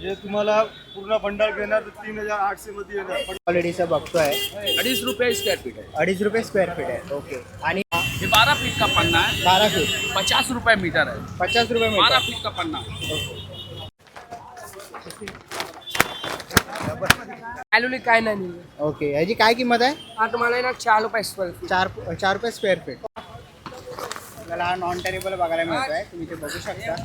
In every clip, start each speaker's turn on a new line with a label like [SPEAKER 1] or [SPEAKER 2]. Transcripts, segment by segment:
[SPEAKER 1] हे तुम्हाला पूर्ण बंडल घेणार तर 3800 मध्ये येणार.
[SPEAKER 2] क्वालिटीचा बघतोय
[SPEAKER 3] 2.5 रुपये स्क्वायर फीट है।
[SPEAKER 2] 2.5 रुपये स्क्वेअर फीट आहे. ओके. आणि
[SPEAKER 3] ये 12 फीट का पन्ना है,
[SPEAKER 2] 12 फीट
[SPEAKER 3] 50 रुपये मीटर है।
[SPEAKER 2] 50 रुपये
[SPEAKER 3] 12
[SPEAKER 2] मीटर.
[SPEAKER 3] फीट का पन्ना।
[SPEAKER 4] ॲल्युली काय नाही.
[SPEAKER 2] ओके. याची काय किंमत आहे?
[SPEAKER 4] हा तुम्हाला ना 4 रुपये स्क्वेअर फीट.
[SPEAKER 2] 4 रुपये स्क्वेअर फीट. आपल्याला हा नॉन टेरेबल बघायला मिळतोय. तुम्ही ते बघू शकता.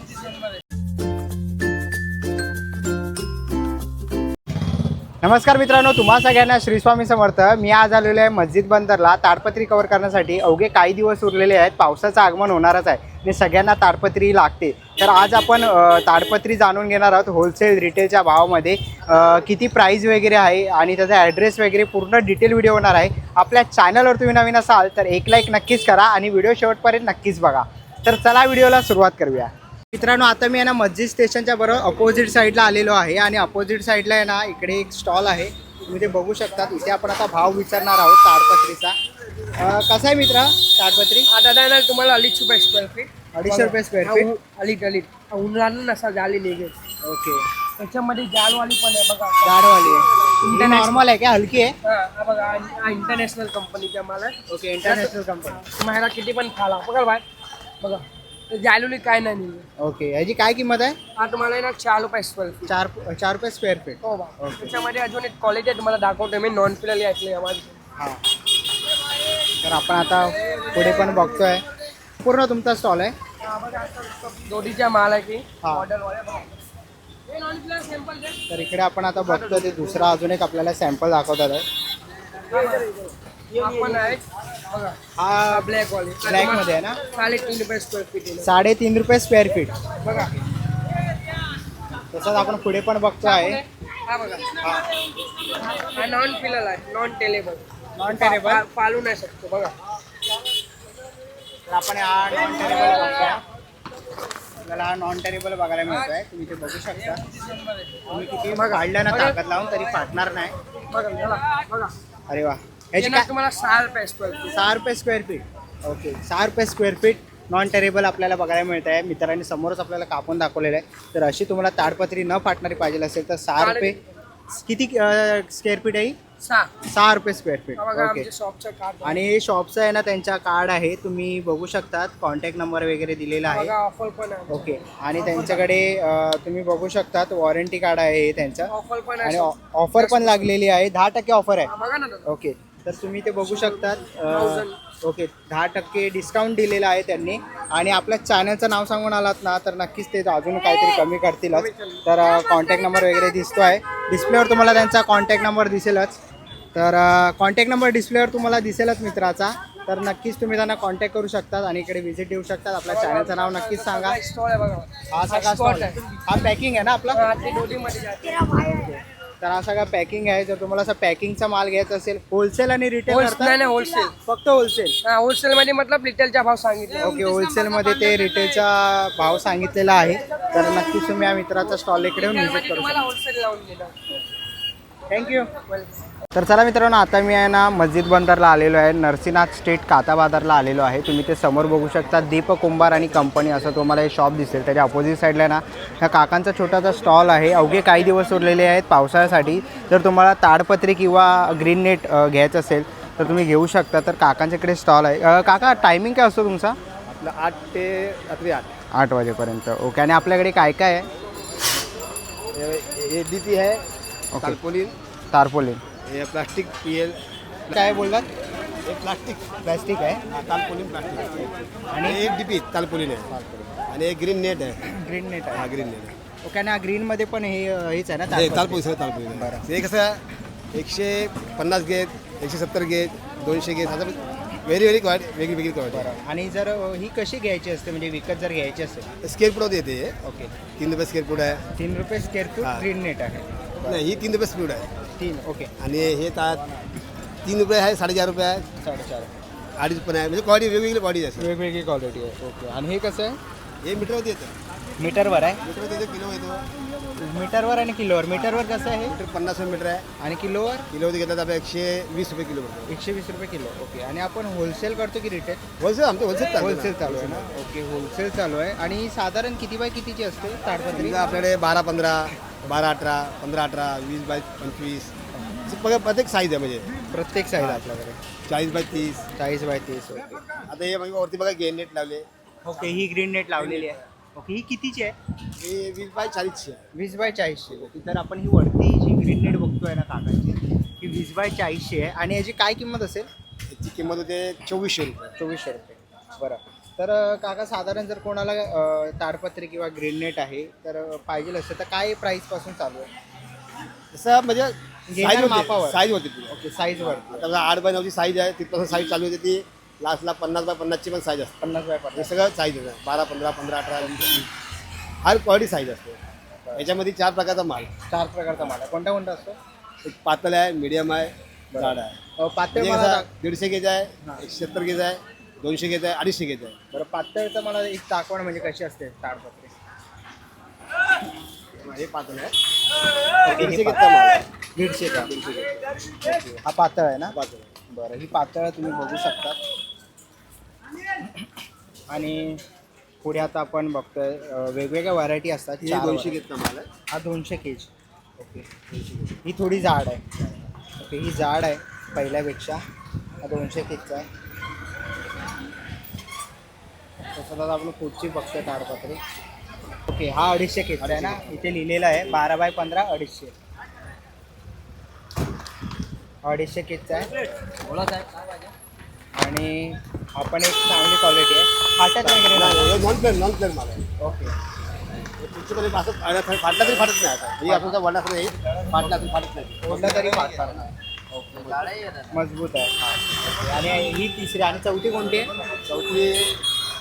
[SPEAKER 2] नमस्कार मित्रांनो, तुम्हा सगळ्यांना श्री स्वामी समर्थ. मी आज आलेलो आहे मस्जिद बंदरला ताडपत्री कव्हर करण्यासाठी. अवघे काही दिवस उरलेले आहेत. पावसाचं आगमन होणारच आहे आणि सगळ्यांना ताडपत्री लागते. तर आज आपण ताडपत्री जाणून घेणार आहोत होलसेल रिटेलच्या भावामध्ये किती प्राईस वगैरे आहे आणि त्याचा ॲड्रेस वगैरे पूर्ण डिटेल व्हिडिओ होणार आहे. आपल्या चॅनलवर तुम्ही नवीन असाल तर एक लाईक नक्कीच करा आणि व्हिडिओ शेवटपर्यंत नक्कीच बघा. तर चला व्हिडिओला सुरुवात करूया. मित्रांनो, आता मी आहे ना मस्जिद स्टेशनच्या बरोबर अपोजिट साईडला आलेलो आहे आणि अपोजिट साईडला आहे ना इकडे एक स्टॉल आहे. तुम्ही ते बघू शकता. इथे आपण आता भाव विचारणार आहोत ताडपत्रीचा. कसा आहे मित्रा ताडपत्री?
[SPEAKER 4] आता नाही तुम्हाला 2.5 रुपये स्क्वेअर फीट.
[SPEAKER 2] 250 रुपये स्क्वेअर फीट.
[SPEAKER 4] अलीट उन्हाळ्यानं नसा जाली निघेल.
[SPEAKER 2] ओके.
[SPEAKER 4] त्याच्यामध्ये जालवाली पण आहे बघा.
[SPEAKER 2] जाडवाली आहे. नॉर्मल आहे का? हलकी आहे?
[SPEAKER 4] हा बघा, हा इंटरनॅशनल कंपनीचा माल आहे.
[SPEAKER 2] ओके. International company.
[SPEAKER 4] तुम्हाला किती पण खाला बघा बाय बघा. जालवली काय नाही निघेल.
[SPEAKER 2] ओके. याची काय किंमत आहे?
[SPEAKER 4] हा तुम्हाला ना 4 रुपये स्क्वेअर फीट.
[SPEAKER 2] 4 रुपये स्क्वेअर फीट.
[SPEAKER 4] हो बा. त्याच्यामध्ये अजून एक क्वालिटी आहे तुम्हाला दाखवतो मी. नॉन फिलर ऐकले माझी.
[SPEAKER 2] हां. तर आपण आता पुढे पण बघतोय. पूर्ण तुमचा स्टॉल आहे?
[SPEAKER 4] दोडीचा माल आहे की
[SPEAKER 2] हा.
[SPEAKER 4] मॉडेलवाले बघा. हे नॉन फिलर सॅम्पल दे.
[SPEAKER 2] तर इकडे आपण आता बघतोय ते दुसरा अजून एक आपल्याला सॅम्पल दाखवतात आहे.
[SPEAKER 4] आपण आहे बघा.
[SPEAKER 2] हा
[SPEAKER 4] ब्लॅक वाली
[SPEAKER 2] ब्लॅक मध्ये आहे ना?
[SPEAKER 4] 3.5 रुपये स्क्वेअर फीट आहे.
[SPEAKER 2] 3.5 रुपये स्क्वेअर फीट.
[SPEAKER 4] बघा
[SPEAKER 2] तसंच आपण पुढे पण बघतो आहे.
[SPEAKER 4] हा बघा. हा नॉन फिलर आहे, नॉन टेलेबल.
[SPEAKER 2] Non tearable.
[SPEAKER 4] पालू नाही शकतो बघा.
[SPEAKER 2] तर आपण हा नॉन टेरेबल बघतोय. आपल्याला हा नॉन टेरेबल बघायला मिळतोय. तुम्ही ते बघू शकता. तुम्ही किती काढलं ना ताकद लावून तरी फाटणार नाही.
[SPEAKER 4] बघा चला बघा.
[SPEAKER 2] अरे वा.
[SPEAKER 4] हे
[SPEAKER 2] ह्याची
[SPEAKER 4] ना
[SPEAKER 2] काय?
[SPEAKER 4] तुम्हाला 6 रुपये स्क्वेअर फीट.
[SPEAKER 2] 6 रुपये स्क्वेअर फीट. ओके. 6 रुपये स्क्वेअर फीट नॉन टेरेबल आपल्याला बघायला मिळत आहे. मित्रांनी समोरच आपल्याला कापून दाखवलेलं आहे. तर अशी तुम्हाला ताडपत्री न फाटणारी पाहिजे असेल तर 6 रुपये. किती स्क्वेअर फीट आहे? 6 रुपये स्क्वेअर फीट.
[SPEAKER 4] बघा
[SPEAKER 2] ओके.
[SPEAKER 4] आमच्या शॉपचं कार्ड.
[SPEAKER 2] आणि शॉपचं आहे ना त्यांच्या कार्ड आहे. तुम्ही बघू शकता. कॉन्टॅक्ट नंबर वगैरे दिलेला आहे.
[SPEAKER 4] बघा ऑफर पण आहे.
[SPEAKER 2] ओके. आणि त्यांच्याकडे तुम्ही बघू शकता वॉरंटी कार्ड आहे हे त्यांचं.
[SPEAKER 4] ऑफर पण
[SPEAKER 2] आणि
[SPEAKER 4] आहे.
[SPEAKER 2] ऑफर पण लागलेली आहे. 10% ऑफर आहे.
[SPEAKER 4] बघा ना दादा.
[SPEAKER 2] ओके. तर तुम्ही ते बघू शकतात. ओके. 10% डिस्काउंट दिलेला आहे त्यांनी. आणि आपल्या चॅनलचं नाव सांगून आलात ना तर नक्कीच ते अजून काहीतरी कमी करतीलच. तर कॉन्टॅक्ट नंबर वगैरे दिसतो आहे डिस्प्लेवर. तुम्हाला त्यांचा कॉन्टॅक्ट नंबर दिसेलच. तर कॉन्टॅक्ट नंबर डिस्प्लेवर तुम्हाला दिसेलच मित्राचा. तर नक्कीच तुम्ही त्यांना कॉन्टॅक्ट करू शकतात आणि इकडे व्हिजिट देऊ शकतात. आपल्या चॅनलचं नाव नक्कीच सांगा.
[SPEAKER 4] स्टॉल आहे बघा.
[SPEAKER 2] हा सगळा स्टॉल आहे. हा पॅकिंग आहे ना आपला?
[SPEAKER 4] हा, ते डोलीमध्ये जाते.
[SPEAKER 2] तर हा सगळा पॅकिंग आहे. जर तुम्हाला असं पॅकिंगचा माल घ्यायचा असेल होलसेल आणि रिटेल
[SPEAKER 4] नाही होलसेल.
[SPEAKER 2] फक्त होलसेल.
[SPEAKER 4] हा होलसेल मध्ये मतलब रिटेलचा भाव सांगितला.
[SPEAKER 2] ओके. होलसेलमध्ये ते रिटेलचा भाव सांगितलेला आहे. तर नक्कीच तुम्ही या मित्राचा स्टॉल इकडे येऊन व्हिजिट करू
[SPEAKER 4] तुम्हाला
[SPEAKER 2] शकता.
[SPEAKER 4] होलसेल लावून देणार.
[SPEAKER 2] थँक्यू. तर चला मित्रांनो, आता मी आहे ना मस्जिद बंदरला आलेलो आहे. नरसिंहनाथ स्ट्रीट काताबाजारला आलेलो आहे. तुम्ही ते समोर बघू शकता. दीप कुंभार आणि कंपनी असं तुम्हाला हे शॉप दिसेल. त्याच्या अपोजिट साईडला ना ह्या काकांचा छोटासा स्टॉल आहे. अवघे काही दिवस उरलेले आहेत पावसाळ्यासाठी. जर तुम्हाला ताडपत्री किंवा ग्रीन नेट घ्यायचं असेल तर तुम्ही घेऊ शकता. तर काकांच्याकडे स्टॉल आहे. काका टायमिंग काय असतो तुमचा?
[SPEAKER 1] आपलं 8 ते रात्री
[SPEAKER 2] 8 वाजेपर्यंत. ओके. आणि आपल्याकडे काय काय आहे?
[SPEAKER 1] ये डीपी है.
[SPEAKER 2] ओके.
[SPEAKER 1] तारपोलिन.
[SPEAKER 2] तारपोलिन.
[SPEAKER 1] ये प्लास्टिक पीएल.
[SPEAKER 2] काय बोललात?
[SPEAKER 1] ये प्लास्टिक.
[SPEAKER 2] प्लॅस्टिक आहे.
[SPEAKER 1] Tarpaulin plastic.
[SPEAKER 2] आणि
[SPEAKER 1] आणि एक डीपी तालपोलिन आहे. आणि एक ग्रीन नेट आहे.
[SPEAKER 2] ग्रीन नेट
[SPEAKER 1] हा
[SPEAKER 2] आहे.
[SPEAKER 1] ग्रीन नेट आहे.
[SPEAKER 2] ओके. आणि हेच आहे ना
[SPEAKER 1] हे
[SPEAKER 2] ताडपत्री?
[SPEAKER 1] तालपोलिन तालपोलिन.
[SPEAKER 2] बरं.
[SPEAKER 1] हे कसं 150 गेज, 170 गेज, 200 गेज असं वेगळी वेगळी क्वालिटी.
[SPEAKER 2] आणि जर ही कशी घ्यायची असते म्हणजे विकत जर घ्यायची असेल?
[SPEAKER 1] स्क्वेअर फूट येते हे.
[SPEAKER 2] ओके.
[SPEAKER 1] 3 रुपये स्क्वेअर फूट आहे.
[SPEAKER 2] 3 रुपये स्क्वेअर फूट
[SPEAKER 1] हा.
[SPEAKER 2] ग्रीन नेट आहे.
[SPEAKER 1] नाही ही 3 रुपये स्पीड आहे.
[SPEAKER 2] 3. ओके.
[SPEAKER 1] आणि हे 3 रुपये आहे, 4.5 रुपये आहे,
[SPEAKER 2] 4.5.
[SPEAKER 1] 2.5 पण आहे. म्हणजे क्वालिटी वेगवेगळी क्वालिटी असते.
[SPEAKER 2] वेगवेगळी क्वालिटी आहे. ओके. आणि हे कसं आहे?
[SPEAKER 1] हे मीटरमध्ये येतं.
[SPEAKER 2] मीटरवर आहे?
[SPEAKER 1] मीटरमध्ये येतो, किलो येतो.
[SPEAKER 2] मीटरवर आणि किलोवर. मीटरवर कसं आहे?
[SPEAKER 1] मीटर 50 मीटर आहे.
[SPEAKER 2] आणि किलोवर?
[SPEAKER 1] किलोमध्ये घेतला तर आपल्या 120 रुपये किलो पडतो.
[SPEAKER 2] 120 रुपये किलो. ओके. आणि आपण होलसेल करतो की रिटेल?
[SPEAKER 1] होलसेल आमचं
[SPEAKER 2] होलसेल चालू आहे ना? ओके. होलसेल चालू आहे. आणि साधारण किती बाय कितीची असते ताडपत्री?
[SPEAKER 1] आपल्याकडे 12-15, 12-18, 15-18, 20x25 असं बघा प्रत्येक साईज आहे म्हणजे
[SPEAKER 2] प्रत्येक साईज आपल्याकडे
[SPEAKER 1] 40x30.
[SPEAKER 2] 40x30. ओके
[SPEAKER 1] आता हे म्हणजे वरती बघा गेन नेट लावले.
[SPEAKER 2] ओके, ही ग्रीन नेट लावलेली आहे. ओके, ही कितीची आहे?
[SPEAKER 1] हे 20x40 आहे.
[SPEAKER 2] 20x40. ओके, तर आपण ही वरती जी ग्रीन नेट बघतोय ना काकाची, ही 20x40 आहे. आणि याची काय किंमत असेल?
[SPEAKER 1] याची किंमत होते 2400 रुपये.
[SPEAKER 2] 2400 रुपये. बरं. तर काका साधारण जर कोणाला ताडपत्री किंवा ग्रीन नेट आहे तर पाहिजे असेल तर काय प्राईसपासून चालू आहे?
[SPEAKER 1] तसं म्हणजे
[SPEAKER 2] घेणार मापावर.
[SPEAKER 1] साईज होती ती.
[SPEAKER 2] ओके, साईजवर.
[SPEAKER 1] आता 8x9ची साईज आहे, तिथपासून साईज चालू होते ती लास्टला 50x50ची पण साईज असते.
[SPEAKER 2] 50x50.
[SPEAKER 1] हे सगळं साईज आहे 12, 15, 15, 18, 20. हर क्वालिटी साईज असते. याच्यामध्ये 4 प्रकारचा माल.
[SPEAKER 2] 4 प्रकारचा माल आहे. कोणता कोणता असतो?
[SPEAKER 1] एक पातळ आहे, मीडियम आहे, जाड आहे.
[SPEAKER 2] पातळ
[SPEAKER 1] म्हणजे
[SPEAKER 2] मला
[SPEAKER 1] कसा 150 गेज आहे, 170 गेज आहे, 200 गेज आहे, 250 गेज आहे.
[SPEAKER 2] बरं, पातळचं मला एक दाखवण म्हणजे कशी असते ताडपत्री?
[SPEAKER 1] हे पातळ आहे.
[SPEAKER 2] ओके,
[SPEAKER 1] 150
[SPEAKER 2] हे
[SPEAKER 1] गेजचा माल आहे.
[SPEAKER 2] 150 का?
[SPEAKER 1] 150 गेज.
[SPEAKER 2] हा पातळ आहे ना?
[SPEAKER 1] पातळ आहे.
[SPEAKER 2] बरं, ही पातळ तुम्ही बघू शकता. आणि पुढे आता आपण बघतोय वेगवेगळ्या व्हरायटी असतात.
[SPEAKER 1] हे
[SPEAKER 2] 4
[SPEAKER 1] 200 गेजचा माल आहे.
[SPEAKER 2] हा 200 केज. ओके, ही थोडी जाड आहे. ओके, ही जाड आहे पहिल्यापेक्षा. हा 200 केजचा आहे. तसं आता आपण पुढची बघतोय ताडपत्री. ओके, हा 250 केजचा आहे ना? इथे लिहिलेलं आहे 12x15 250. 250 केजचा आहे. आणि आपण एक चांगली क्वालिटी आहे. फाटत वगैरे नाही.
[SPEAKER 1] हे नॉन प्लेन माल आहे.
[SPEAKER 2] ओके,
[SPEAKER 1] तुमच्याकडे असं फाटला तरी फाटत नाही. आता ही आपल्याला वडा येईल, फाटला तरी फाटत नाही.
[SPEAKER 2] कोणता तरी फाटणार नाही. ओके, मजबूत आहे. ओके, आणि ही तिसरी आणि चौथी कोणती आहे?
[SPEAKER 1] चौथी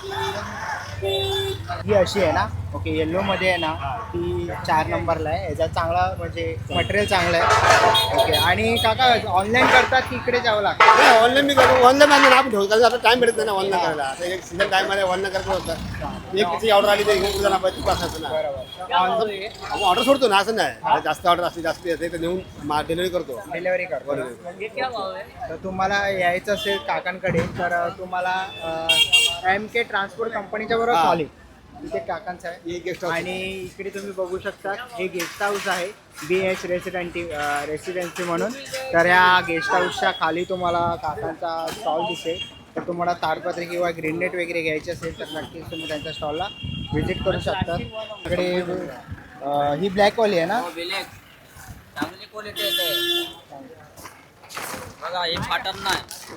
[SPEAKER 2] ही अशी आहे ना? ओके, येल्लोमध्ये आहे ना, ती 4 नंबरला आहे. याचा चांगला म्हणजे मटेरियल चांगलं आहे. ओके, आणि काका ऑनलाईन करतात की इकडे जावं लागतं?
[SPEAKER 1] ऑनलाईन मी करतो. ऑनलाईन आम्ही आपण ठेवतो कारण आता टाइम भेटत नाही ना ऑनलाईन करायला. आता एक सीझन टाइम आहे, ऑनलाईन करतो होतं. एक किती ऑर्डर आली तर घेऊन जाणार पाहिजे, तू असायचं ना.
[SPEAKER 2] बरोबर.
[SPEAKER 1] आपण ऑर्डर सोडतो ना, असं नाही. जास्त ऑर्डर असते, जास्त येते तर नेऊन डिलिव्हरी करतो.
[SPEAKER 2] डिलेवरी करतो. तर तुम्हाला यायचं असेल काकांकडे तर तुम्हाला MK ट्रान्सपोर्ट कंपनीच्या बरोबर
[SPEAKER 1] हा.
[SPEAKER 2] कॉल इथे काकांचं आहे.
[SPEAKER 1] हे गेस्ट हाऊस.
[SPEAKER 2] आणि इकडे तुम्ही बघू शकता हे गेस्ट हाऊस आहे, BH रेसिडेन्सी म्हणून. तर या गेस्ट हाऊसच्या खाली तुम्हाला काकांचा स्टॉल दिसेल. तर तुम्हाला ताडपत्री किंवा ग्रीन नेट वगैरे घ्यायची असेल तर नक्कीच तुम्ही त्यांच्या स्टॉलला व्हिजिट करू शकता. इकडे ही ब्लॅकवाली आहे ना?
[SPEAKER 5] चांगली क्वालिटी येते बघा, हे फाटत नाही.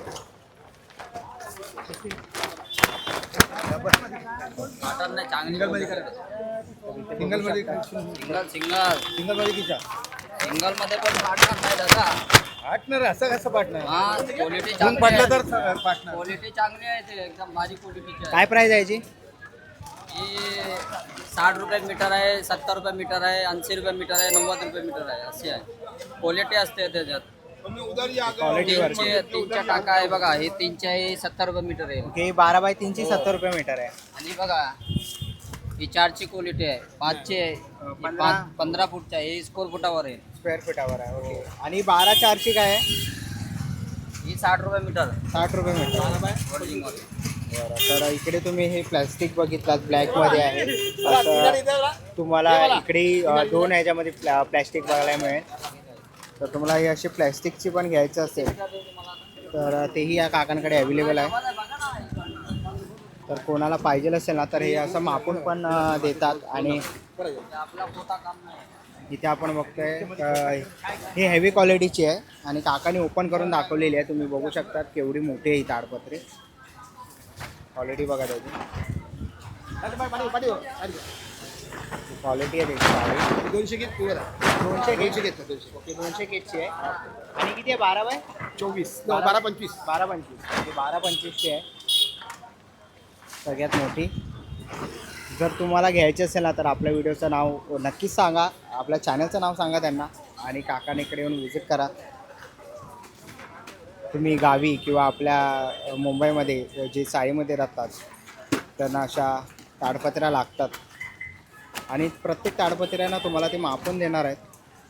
[SPEAKER 5] फाटत नाही, चांगली
[SPEAKER 1] सिंगल मध्ये
[SPEAKER 5] सिंगल
[SPEAKER 1] मध्ये किती
[SPEAKER 5] सिंगल मध्ये पण फाटणार नाही दादा.
[SPEAKER 1] पार्टनर असं कसं पार्टनर
[SPEAKER 5] हा, क्वालिटी
[SPEAKER 1] दोन पडलं तर पार्टनर.
[SPEAKER 5] क्वालिटी चांगली आहे, ते एकदम भारी क्वालिटीची आहे.
[SPEAKER 2] काय प्राईस आहे याची?
[SPEAKER 5] ही 60 रुपये मीटर आहे, 70 रुपये मीटर आहे, 80 रुपये मीटर आहे, 90 रुपये मीटर आहे. अशी आहे क्वालिटी असते त्याच्यात.
[SPEAKER 2] क्वालिटीवर.
[SPEAKER 5] तीनच्या टाका आहे बघा, हे 3चे आहे 70 रुपये मीटर आहे.
[SPEAKER 2] ओके, 12x3 ची 70 रुपये मीटर आहे.
[SPEAKER 5] आणि बघा ही 4ची क्वालिटी आहे, 5ची आहे, 15 फूटची आहे, ही स्क्वेअर फुटावर आहे.
[SPEAKER 2] स्क्वेअर फुटावर आहे. ओके, आणि 12x4 काय आहे?
[SPEAKER 5] ही 60 रुपये मीटर
[SPEAKER 2] 60 रुपये मीटर.
[SPEAKER 5] ओरिजिनल.
[SPEAKER 2] बरं, तर इकडे तुम्ही हे प्लॅस्टिक बघितलात ब्लॅकमध्ये आहे. असं तुम्हाला इकडे 2 ह्याच्यामध्ये प्लॅस्टिक बघायला मिळेल. तर तुम्हाला हे असे प्लॅस्टिकची पण घ्यायचं असेल तर तेही या काकांकडे अवेलेबल आहे. तर कोणाला पाहिजे असेल ना तर हे असं मापून पण देतात. आणि इथे आपण बघतोय ही हेवी क्वालिटीची आहे आणि काकाने ओपन करून दाखवलेली आहे. तुम्ही बघू शकता केवढी मोठी आहे ही ताडपत्री. क्वालिटी बघा त्याची, क्वालिटी आहे त्याची.
[SPEAKER 1] 200 गेज प्युअर आहे.
[SPEAKER 2] 200
[SPEAKER 1] 200
[SPEAKER 2] केज.
[SPEAKER 1] गेज 200.
[SPEAKER 2] ओके, 200 केजची आहे. आणि किती आहे? 12x24.
[SPEAKER 1] 12-25.
[SPEAKER 2] 12-25. 12-25ची आहे सगळ्यात मोठी. जर तुम्हाला घ्यायची असेल ना तर आपल्या व्हिडिओचं नाव नक्कीच सांगा, आपल्या चॅनलचं नाव सांगा त्यांना आणि काकांकडे येऊन व्हिजिट करा. तुम्ही गावी किंवा आपल्या मुंबईमध्ये जे चाळीमध्ये राहतात त्यांना अशा ताडपत्र्या लागतात आणि प्रत्येक ताडपत्र्यांना तुम्हाला ते मापून देणार आहेत.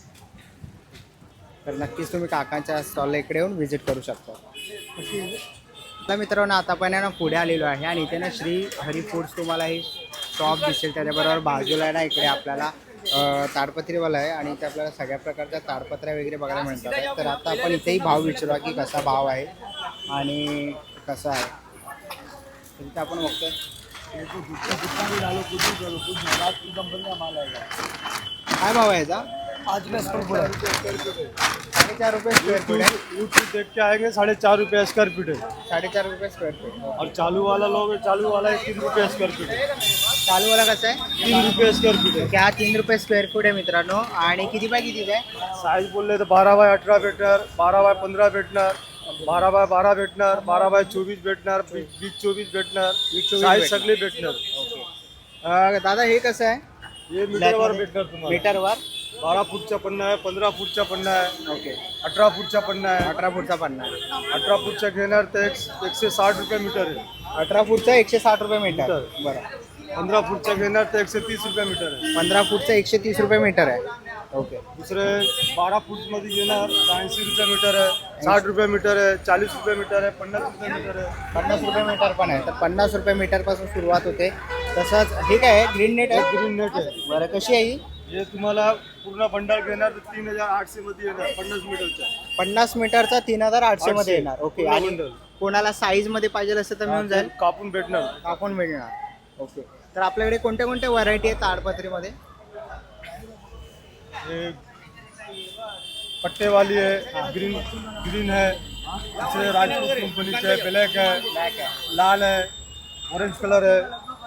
[SPEAKER 2] तर नक्कीच तुम्ही काकांच्या स्टॉलला इकडे येऊन व्हिजिट करू शकता. तर मित्रांनो, आता पण ना पुढे आलेलो आहे आणि इथे ना श्री हरी फूड्स तुम्हाला ही शॉप दिसेल. त्याच्याबरोबर बाजूला आहे ना इकडे आपल्याला ताडपत्रीवाला आहे आणि इथे आपल्याला सगळ्या प्रकारच्या ताडपत्र्या वगैरे बघायला मिळतात आहे. तर आता आपण इथेही भाव विचारूया की कसा भाव आहे आणि कसा आहे. तर इथे आपण बघतोय काय भाव आहे याचा? 4.5 रुपये स्क्वेअर फीट आहे.
[SPEAKER 6] यूट्यूब देख के आएंगे 4.5 रुपये स्क्वायर फीट है
[SPEAKER 2] 4.5 रुपये स्क्वेअर फीट.
[SPEAKER 6] और चालू वाला लोगे चालू वाला है 3 रुपये स्क्वायर फीट है
[SPEAKER 2] चालूवाला कसा आहे?
[SPEAKER 6] 3 रुपये स्क्वायर फीट है.
[SPEAKER 2] ओके, हा 3 रुपये स्क्वेअर फूट आहे मित्रांनो. आणि किती बाय कितीचा आहे?
[SPEAKER 6] साइज बोलले तो 12x18 भेटणार 12x15 भेटणार 12x12 भेटणार 12x24 भेटणार 20x24 भेटणार
[SPEAKER 2] 20x24
[SPEAKER 6] साइज
[SPEAKER 2] भेटणार.
[SPEAKER 6] सगळे भेटणार.
[SPEAKER 2] दादा हे कसं आहे?
[SPEAKER 6] हे मीटरवर भेटणार तुम्हाला.
[SPEAKER 2] मीटरवर
[SPEAKER 6] 12 फूटचा पन्ना आहे 15 फूटचा पन्ना आहे
[SPEAKER 2] ओके.
[SPEAKER 6] 18 फूटचा पन्ना आहे.
[SPEAKER 2] 18 फूटचा 50.
[SPEAKER 6] 18 फूटचा घेणार तर 160 रुपये मीटर आहे.
[SPEAKER 2] 18 फूटचा 160 रुपये मीटर.
[SPEAKER 6] मीटर.
[SPEAKER 2] बरं.
[SPEAKER 6] 15 फूटचा घेणार तर 130 रुपये मीटर आहे.
[SPEAKER 2] 15 फूटचा 130 रुपये मीटर आहे. ओके.
[SPEAKER 6] दुसरे 12 फूटमध्ये घेणार तर 80 रुपये मीटर आहे 60 रुपये मीटर आहे 40 रुपये मीटर आहे 50 रुपये मीटर आहे.
[SPEAKER 2] 50 रुपये मीटर पण आहे. तर 50 रुपये मीटरपासून सुरुवात होते. तसंच हे काय आहे? ग्रीन नेट आहे.
[SPEAKER 6] ग्रीन नेट आहे.
[SPEAKER 2] बरं, कशी आहे ही?
[SPEAKER 6] हे तुम्हाला पूर्ण बंडल घेणार तर 3800 मध्ये येणार 50 मीटरचा.
[SPEAKER 2] 50 मीटरचा 3800 मध्ये
[SPEAKER 6] 800
[SPEAKER 2] येणार. ओके.
[SPEAKER 6] पूर्ण
[SPEAKER 2] आणि
[SPEAKER 6] बंडल.
[SPEAKER 2] कोणाला साईज मध्ये पाहिजे असेल तर मिळून जाईल.
[SPEAKER 6] कापून भेटणार.
[SPEAKER 2] आपण मिळणार. ओके. तर आपल्याकडे कोणत्या कोणत्या व्हरायटी आहेत ताडपत्रीमध्ये?
[SPEAKER 6] हे पट्टे वाली है ग्रीन ग्रीन है दूसरे राजपूत कंपनी है ब्लैक है लाल है ऑरेंज कलर है.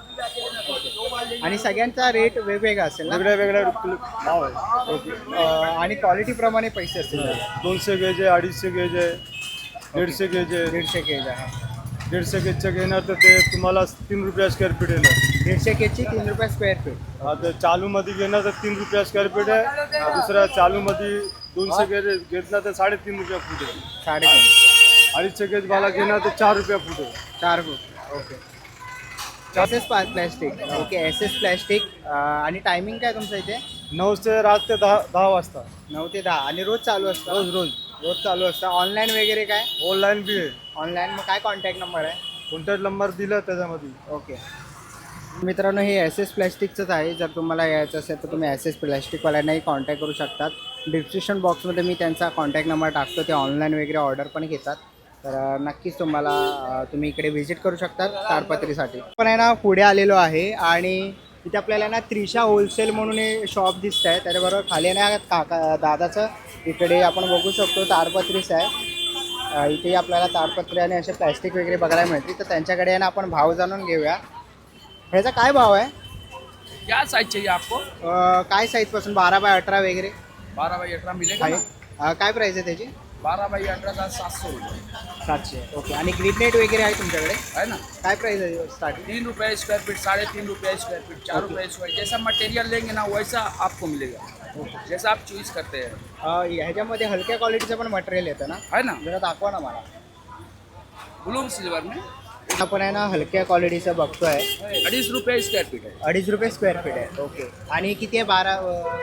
[SPEAKER 2] आणि सगळ्यांचा रेट वेगवेगळा असेल ना?
[SPEAKER 6] वेगळे वेगळे भाव आहे.
[SPEAKER 2] आणि क्वालिटी प्रमाणे पैसे असतील.
[SPEAKER 6] 200 गेज आहे 250 गेज आहे 150 गेज आहे.
[SPEAKER 2] 150 केज आहे.
[SPEAKER 6] 150 गेजचं घेणार तर ते तुम्हाला 3 रुपये स्क्वेअर फीट येणार.
[SPEAKER 2] 150 केजची 3 रुपये स्क्वेअर फीट.
[SPEAKER 6] आता चालूमध्ये घेणार तर 3 रुपये स्क्वेअर फीट आहे. दुसऱ्या चालूमध्ये 200 गेज घेतला तर 3.5 रुपये फूट आहे.
[SPEAKER 2] 3.5.
[SPEAKER 6] 250 गेज वाला घेणार तर 4 रुपये फूट आहे.
[SPEAKER 2] 4 foot. Okay. SS plastic. Okay. SS plastic. आणि टायमिंग काय तुमचं इथे?
[SPEAKER 6] 9 ते रात ते 10 वाजता.
[SPEAKER 2] 9 ते 10. आणि रोज चालू असतं?
[SPEAKER 6] रोज
[SPEAKER 2] रोज चालू असतं. ऑनलाईन वगैरे काय?
[SPEAKER 6] ऑनलाईन बी आहे.
[SPEAKER 2] ऑनलाईन मग काय कॉन्टॅक्ट नंबर आहे?
[SPEAKER 6] कॉन्टॅक्ट नंबर दिला त्याच्यामध्ये.
[SPEAKER 2] ओके. मित्रांनो, हे SS प्लॅस्टिकचंच आहे. जर तुम्हाला यायचं असेल तर तुम्ही SS प्लॅस्टिकवाल्यांनाही कॉन्टॅक्ट करू शकतात. डिस्क्रिप्शन बॉक्समध्ये मी त्यांचा कॉन्टॅक्ट नंबर टाकतो. ते ऑनलाईन वगैरे ऑर्डर पण घेतात. तर नक्कीच तुम्ही इकडे व्हिजिट करू शकतात ताडपत्रीसाठी. पण आहे ना, पुढे आलेलो आहे आणि इथे आपल्याला ना त्रिशा होलसेल म्हणून हे शॉप दिसत आहे. त्याच्याबरोबर खाली ना काका दादाचं इकडे आपण बघू शकतो ताडपत्रीच आहे. इथे आपल्याला ताडपत्री आणि असे प्लॅस्टिक वगैरे बघायला मिळते. तर त्यांच्याकडे आहे ना आपण भाव जाणून घेऊया. ह्याचा काय भाव आहे?
[SPEAKER 3] क्या साइज चाहिए आपको?
[SPEAKER 2] काय साईजपासून 12 बाय 18 वगैरे
[SPEAKER 3] 12 बाई 18 मिलेगा ना?
[SPEAKER 2] आहे? काय प्राईस आहे त्याची?
[SPEAKER 3] 12 बाई 18 का 700 रुपये
[SPEAKER 2] 700. ओके. आणि ग्रीन नेट वगैरे आहे तुमच्याकडे?
[SPEAKER 3] है ना.
[SPEAKER 2] काय प्राईस आहे स्टार्टिंग?
[SPEAKER 3] 3 रुपये स्क्वायर फीट 3.5 रुपये स्क्वायर फीट 4 रुपये स्क्वायर जैसा मटेरियल लेंगे ना वैसा आपको मिलेगा. जैसा आप चूज करते हैं.
[SPEAKER 2] ह्याच्यामध्ये हलक्या क्वालिटीचं पण मटेरियल येतं ना?
[SPEAKER 3] है ना.
[SPEAKER 2] जरा दाखवा ना मला.
[SPEAKER 3] ब्लू सिल्वर में
[SPEAKER 2] आपण आहे ना हलक्या क्वालिटीचं बघतोय.
[SPEAKER 3] 2.5 रुपये स्क्वायर फीट है.
[SPEAKER 2] 2.5 रुपये स्क्वेअर फीट आहे. ओके. आणि किती आहे? 12.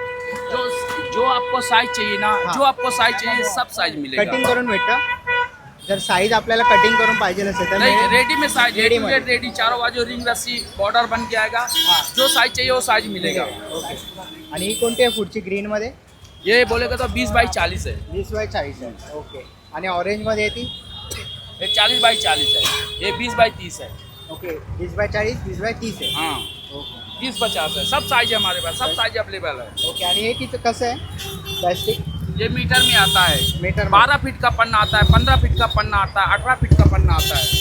[SPEAKER 3] जो आपको साइज चाहिए ना, जो आपको साइज चाहिए सब साइज मिलेगा.
[SPEAKER 2] कटिंग करून भेटतं? जर साईज आपल्याला कटिंग करून पाहिजे असेल तर
[SPEAKER 3] नहीं,
[SPEAKER 2] मिळेल?
[SPEAKER 3] रेडी में साइज
[SPEAKER 2] रेडी में.
[SPEAKER 3] रेडी चारों बाजू रिंग रस्सी बॉर्डर बन के आएगा. जो साइज चाहिए वो साइज मिलेगा.
[SPEAKER 2] ओके. आणि ही कोणती आहे पुढची ग्रीनमध्ये?
[SPEAKER 3] ये बोलेगा तो 20 बाई 40 है.
[SPEAKER 2] 20 बाय 40 आहे. ओके. आणि ऑरेंजमध्ये येते?
[SPEAKER 3] ये 40 बाई 40 है. ये 20 बाई 30 है.
[SPEAKER 2] ओके. 20 बाय 40, 20 बाय 30 आहे.
[SPEAKER 3] हाँ,
[SPEAKER 2] ओके.
[SPEAKER 3] 30-50 है. सब साइज है हमारे पास, सब साइज अवेलेबल है.
[SPEAKER 2] ओके. आणि हे किती कसं आहे प्लॅस्टिक?
[SPEAKER 3] ये मीटर में आता है.
[SPEAKER 2] मीटर
[SPEAKER 3] 12 फीट का पन्ना आता है, 15 फीट का पन्ना आता है, 18 फीट का पन्ना आता है.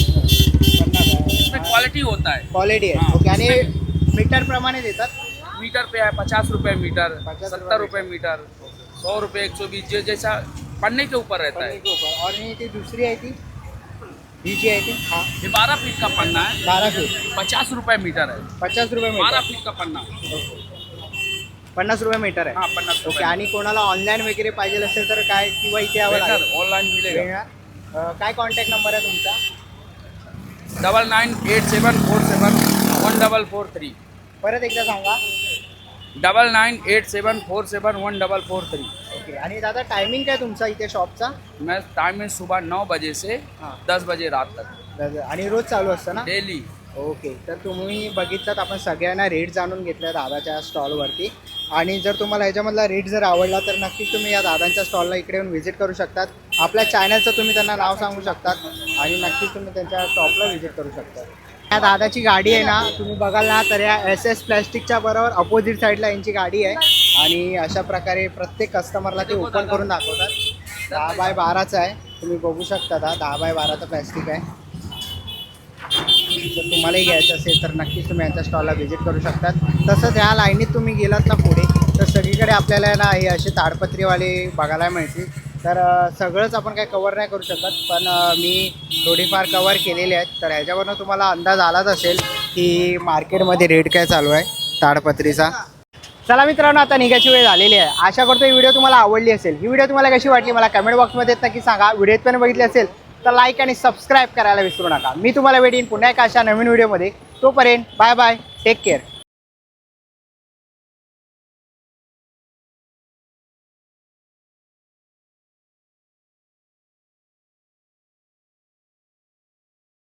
[SPEAKER 3] इसमें क्वालिटी होता है.
[SPEAKER 2] क्वालिटी आहे.
[SPEAKER 3] हाँ.
[SPEAKER 2] ओके. आणि मीटर प्रमाणे देतात?
[SPEAKER 3] मीटर पे है 50 रुपये मीटर,
[SPEAKER 2] 50
[SPEAKER 3] 70 रुपये मीटर, 100 रुपये 120 जो जैसा पन्ने के ऊपर रहता है.
[SPEAKER 2] और ती दुसरी आहे ती ही जी आहे ती? हां.
[SPEAKER 3] ये 12 फीट का पन्ना है,
[SPEAKER 2] 12 फीट
[SPEAKER 3] 50 रुपये मीटर है.
[SPEAKER 2] 50 रुपये
[SPEAKER 3] 12
[SPEAKER 2] मीटर.
[SPEAKER 3] फीट का पन्ना.
[SPEAKER 2] 50 रुपये मीटर आहे.
[SPEAKER 3] हाँ, 50
[SPEAKER 2] ओके.
[SPEAKER 3] रुपये.
[SPEAKER 2] आणि कोणाला ऑनलाईन वगैरे पाहिजे असेल तर काय किंवा इथे यावं लागेल?
[SPEAKER 3] ऑनलाइन मिलेगा.
[SPEAKER 2] मिळणार. काय कॉन्टॅक्ट नंबर आहे तुमचा?
[SPEAKER 3] 9987471443.
[SPEAKER 2] परत एकदा सांगा.
[SPEAKER 3] 9987471443.
[SPEAKER 2] ओके. आणि दादा टायमिंग काय तुमचा इथे शॉपचा?
[SPEAKER 3] मैं टाइम में सुबह 9 बजे से
[SPEAKER 2] हाँ.
[SPEAKER 3] 10 बजे रात तक
[SPEAKER 2] आणि रोज चालू असतं ना?
[SPEAKER 3] डेली.
[SPEAKER 2] ओके, तर तुम्ही बघितलात आपण सगळ्यांना रेट जाणून घेतल्या दादाच्या स्टॉलवरती. आणि जर तुम्हाला ह्याच्यामधला रेट जर आवडला तर नक्कीच तुम्ही या दादांच्या स्टॉलला इकडे येऊन व्हिजिट करू शकतात. आपल्या चॅनलचं तुम्ही त्यांना नाव सांगू शकतात आणि नक्कीच तुम्ही त्यांच्या शॉपला व्हिजिट करू शकता. या दादाची गाडी आहे ना, तुम्ही बघाल ना तर या SS प्लॅस्टिकच्या बरोबर अपोजिट साईडला यांची गाडी आहे. आणि अशा प्रकारे प्रत्येक कस्टमरला ते ओपन करून दाखवतात. 10x12चा आहे, तुम्ही बघू शकता. 10x12चा प्लॅस्टिक आहे. जर तुम्हालाही घ्यायचं असेल तर नक्कीच तुम्ही यांच्या स्टॉलला व्हिजिट करू शकतात. तसंच ह्या लाईनीत तुम्ही गेलात ना पुढे तर सगळीकडे आपल्याला ना हे असे ताडपत्रीवाले बघायला मिळतील. तर सगळंच आपण काय कवर नाही करू शकत, पण मी थोडीफार कवर केलेले आहेत. तर ह्याच्यावरनं तुम्हाला अंदाज आलाच असेल की मार्केटमध्ये रेट काय चालू आहे ताडपत्रीचा. चला मित्रांनो, आता निघायची वेळ झालेली आहे. आशा करतो ही व्हिडिओ तुम्हाला आवडली असेल. ही व्हिडिओ तुम्हाला कशी वाटली मला कमेंट बॉक्समध्ये नक्की सांगा. व्हिडिओत पण बघितली असेल तर लाईक आणि सबस्क्राईब करायला विसरू नका. मी तुम्हाला भेटेन पुन्हा एका अशा नवीन व्हिडिओमध्ये. तोपर्यंत बाय बाय, टेक केअर.